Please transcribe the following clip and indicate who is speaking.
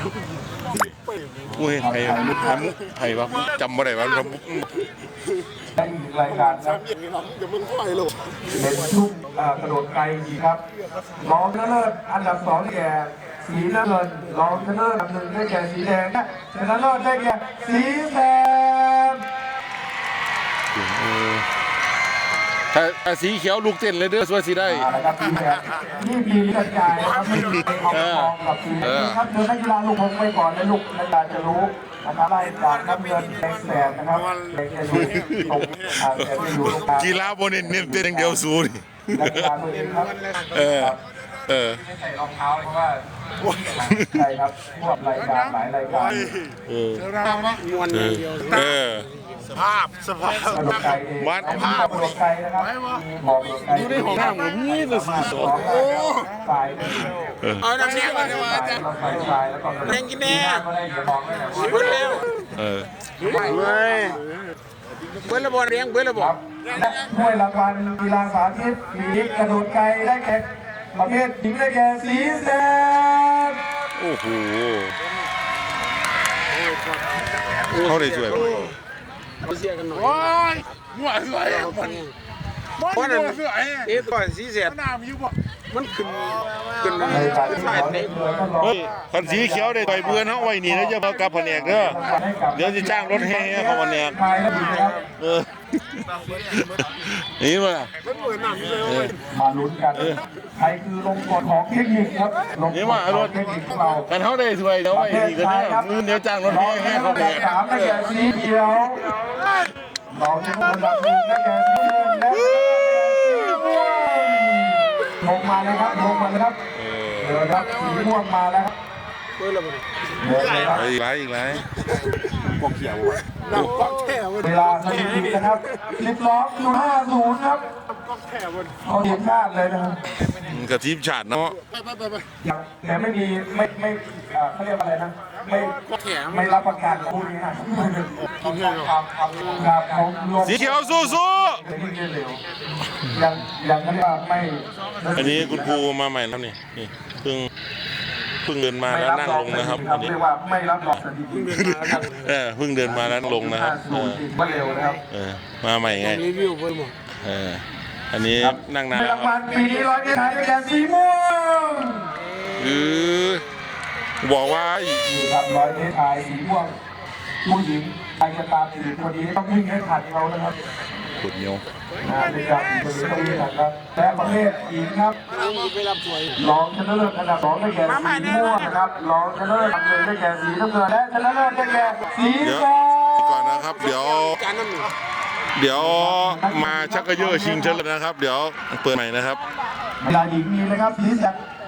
Speaker 1: อุ้ยไผ่วะจำไม่ได้วะครับ
Speaker 2: และอีกรายการครับเป็นชุกกระโดดไกลอีกครับรองชนะเลิศอันดับ2แก่สีน้ำเงินรองชนะเลิศอันดับ1ได้แก่สีแดงและชนะเลิศได้แก่สีแดง
Speaker 1: ถ้าสีเขียวลูกเต้นเลยเด้อสวยสีได้
Speaker 2: ครับสีแดงนี่มีกระจายนะครับไม่มีเอาทองกับสีแดงครับเดินนักกีฬาลูกคงไปก่อนนะลูกนักกีฬาจะรู้นะครับไล่จากน้ำเงินแดงนะครับแดงจะดูตรงแต่ไม่รู้
Speaker 1: กีฬาบนเน้นเต้นอย่างเดียวสู้นี่
Speaker 2: นักกีฬาตัวเองครับไม่ใส่รองเท้าเพราะว่าใช่ครับพวกรายการหลายรายการ
Speaker 3: มวนเดียวสภาพ
Speaker 1: วัด
Speaker 2: ภาพกระโดดไกลนะครับ
Speaker 3: อยู่ในห้องน้ำผมนี่เลยสิ
Speaker 2: โอ้
Speaker 3: เอาน้ำเสียงมาจะมาจ้ะแรงกินแน่เบิ้ลเร็วไม่เบิ้ลระบบเลี้ยงเบิ้ลระบบ
Speaker 2: และถ้วยรางวัลกีฬาสาธิตหญิงกระโดดไกลได้แก่ประเภทหญิงได้แก่สีแดง
Speaker 1: โอ้โหเขาได้ช่วย
Speaker 3: เสียกันหน่อย
Speaker 4: โอ้ยมั่วสวยมัน
Speaker 3: มั่วสวยก่อนสีเสียน้ำอยู่บ่มันขึ้น
Speaker 2: ใช่เด็ก
Speaker 1: คันสีเขียวได้ต่อยเบื่อเนาะไว้นี่แล้วจะมากลับแผนกเด้อเดี๋ยวจะจ้างรถแห่เข้าแผนกนี่มา
Speaker 2: มาลุ้นกันใครคือลงกฎของเทคนิคครับ
Speaker 1: นี่มารถ
Speaker 2: เทคนิคของเรา
Speaker 1: กันเขาได้ช่วยเดี๋ยวไว้นี่ก็เนี่ยเดี๋ยวจ้างรถแห่เข้าแผนก
Speaker 2: 3ได้แก่สีเขียวเราจะอันดับ1ได้แก่สีแดงลงมาเลยครับลงมาเลยครับเดี๋ยวครับสีม่วงมาแล้ว
Speaker 1: อีกไร
Speaker 3: พวกเขียว
Speaker 2: เวลาสถิตินะครับ12.50ครับเขาเห็นชาติเลยนะครับ
Speaker 1: กับทีมชาติเนาะ
Speaker 2: แต่ไม่มีไม่เขาเรียกอะไรนะไม่รับประกันคู่นี้ครับ
Speaker 1: สีเขียวสู้
Speaker 2: ยังเขาเรียกว่าไม่
Speaker 1: อันนี้คุณครูมาใหม่แล้วนี่เพิ่งเดินมาแล้วนั่งลงนะครับอันนี้
Speaker 2: เรียกว่าไม่รับรองสถิติ
Speaker 1: เพิ่งเดินมาแล้วลงนะครับ
Speaker 2: เร็วนะครับ
Speaker 1: มาใหม่ไง
Speaker 3: รีวิวไปหมด
Speaker 1: อันนี้นั่งนาน
Speaker 2: รางวัลปีนี้ร้อยเมตรไทยได้แก่สีม่วง
Speaker 1: บอกว่า
Speaker 2: ครับร้อยเมตรไทยสีม่วงผู้หญิงใครจะตามสีคนนี้ต้องวิ่งให้ทันเขานะครับ
Speaker 1: ขุดเหนียว
Speaker 2: ในการคนนี้ต้องวิ่งทันครับและประเภทหญิงครับรองชนะเลิศอันดับ2ได้แก่สีม่วงนะครับรองชนะเลิศอันดับ1ได้แก่สีน้ำเงินและชนะเลิศได้แก่สีแดง
Speaker 1: ก่อนนะครับเดี๋ยวมาชักกระเยอะชิงเชิญนะครับเดี๋ยวเปิดใหม่นะครับ
Speaker 2: เวลาหญิงมีนะครับสีแดง